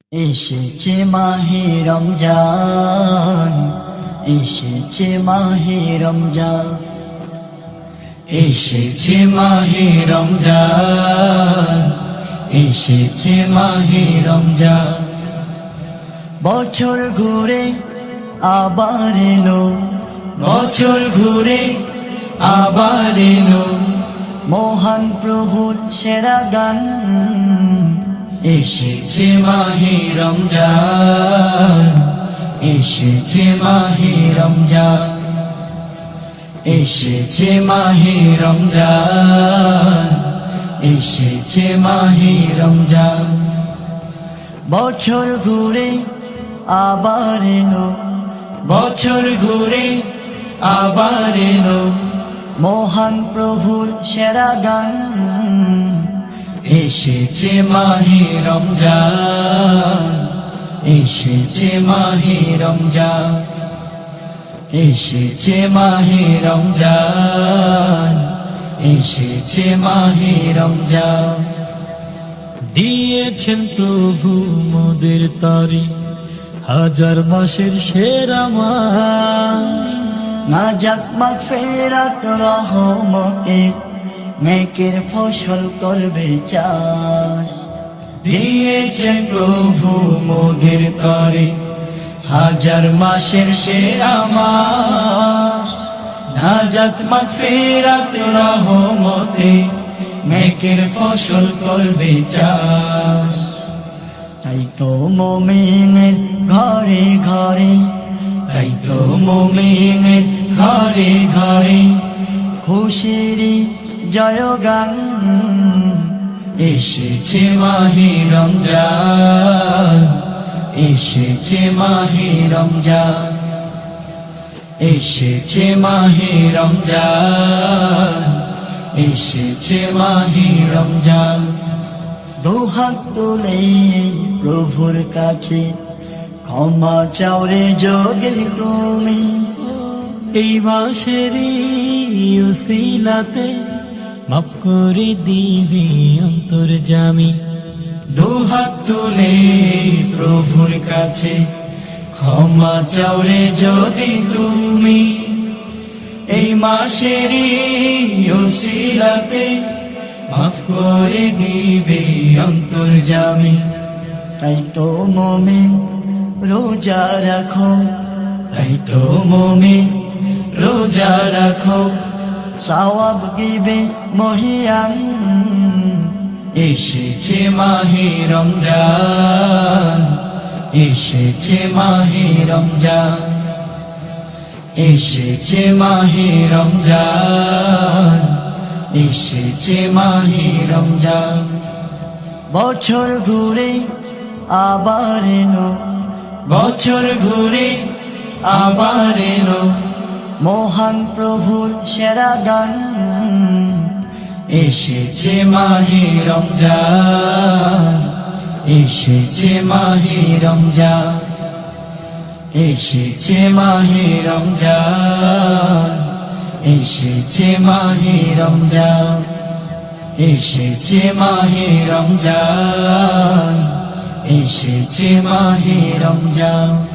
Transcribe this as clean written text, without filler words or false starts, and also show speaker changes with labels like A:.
A: এসেছে মাহে রমজান, এসেছে মাহে রমজান, এসেছে মাহে রমজান, এসেছে মাহে রমজান। বছর ঘুরে আবার এলো, বছর ঘুরে আবার এলো, মহান প্রভুর সেরা গান। এসেছে মাহে রমজান, এসেছে মাহে রমজান, এসেছে মাহে রমজান, এসেছে মাহে রমজান। বছর ঘুরে আবার এলো, বছর ঘুরে আবার এলো, মহান প্রভুর সেরা গান। এসেছে মাহে রমজান, এসেছে মাহে রমজান, এসেছে মাহে রমজান, এসেছে মাহে রমজান।
B: দিয়েছেন প্রভু মোদের তরে হাজার মাসের সেরা মাস।
A: নাজাত মাগফিরাত রহমতে নেকের ফসল করবে চাষ।
B: দিয়েছেন প্রভু মোদের তরে হাজার মাসের সেরা মাস। নাজাত মাগফিরাত রহমতে নেকের ফসল করবে চাষ।
A: তাই তো মুমিনের ঘরে ঘরে,
B: তাই তো মুমিনের ঘরে ঘরে
A: খুশির জয়গান।
B: এসেছে মাহে রমজান, এসেছে মাহে রমজান, এসেছে মাহে রমজান, এসেছে মাহে রমজান।
A: দুহাত তুলে প্রভুর কাছে ক্ষমা চাও রে যদি তুমি।
B: এই মাসেরই উসিলাতে মাফ করে দিবে অন্তর্যামী।
A: দুহাত তুলে প্রভুর কাছে ক্ষমা চাও রে যদি তুমি।
B: এই মাসেরই উসিলাতে মাফ করে দিবে অন্তর্যামী।
A: তাই তো মুমিন রোজা রাখো,
B: তাই তো মুমিন রোজা রাখো,
A: সওয়াব দিবে মহিয়ান।
B: এসেছে মাহে রমজান, এসেছে মাহে রমজান, এসেছে মাহে রমজান, এসেছে মাহে রমজান।
A: বছর ঘুরে আবার এলো,
B: বছর ঘুরে আবার এলো,
A: মহান প্রভুর সেরা গান।
B: এসেছে মাহে রমজান, এসেছে মাহে রমজান, এসেছে মাহে রমজান, এসেছে মাহে রমজান, এসেছে মাহে রমজান, এসেছে মাহে রমজান।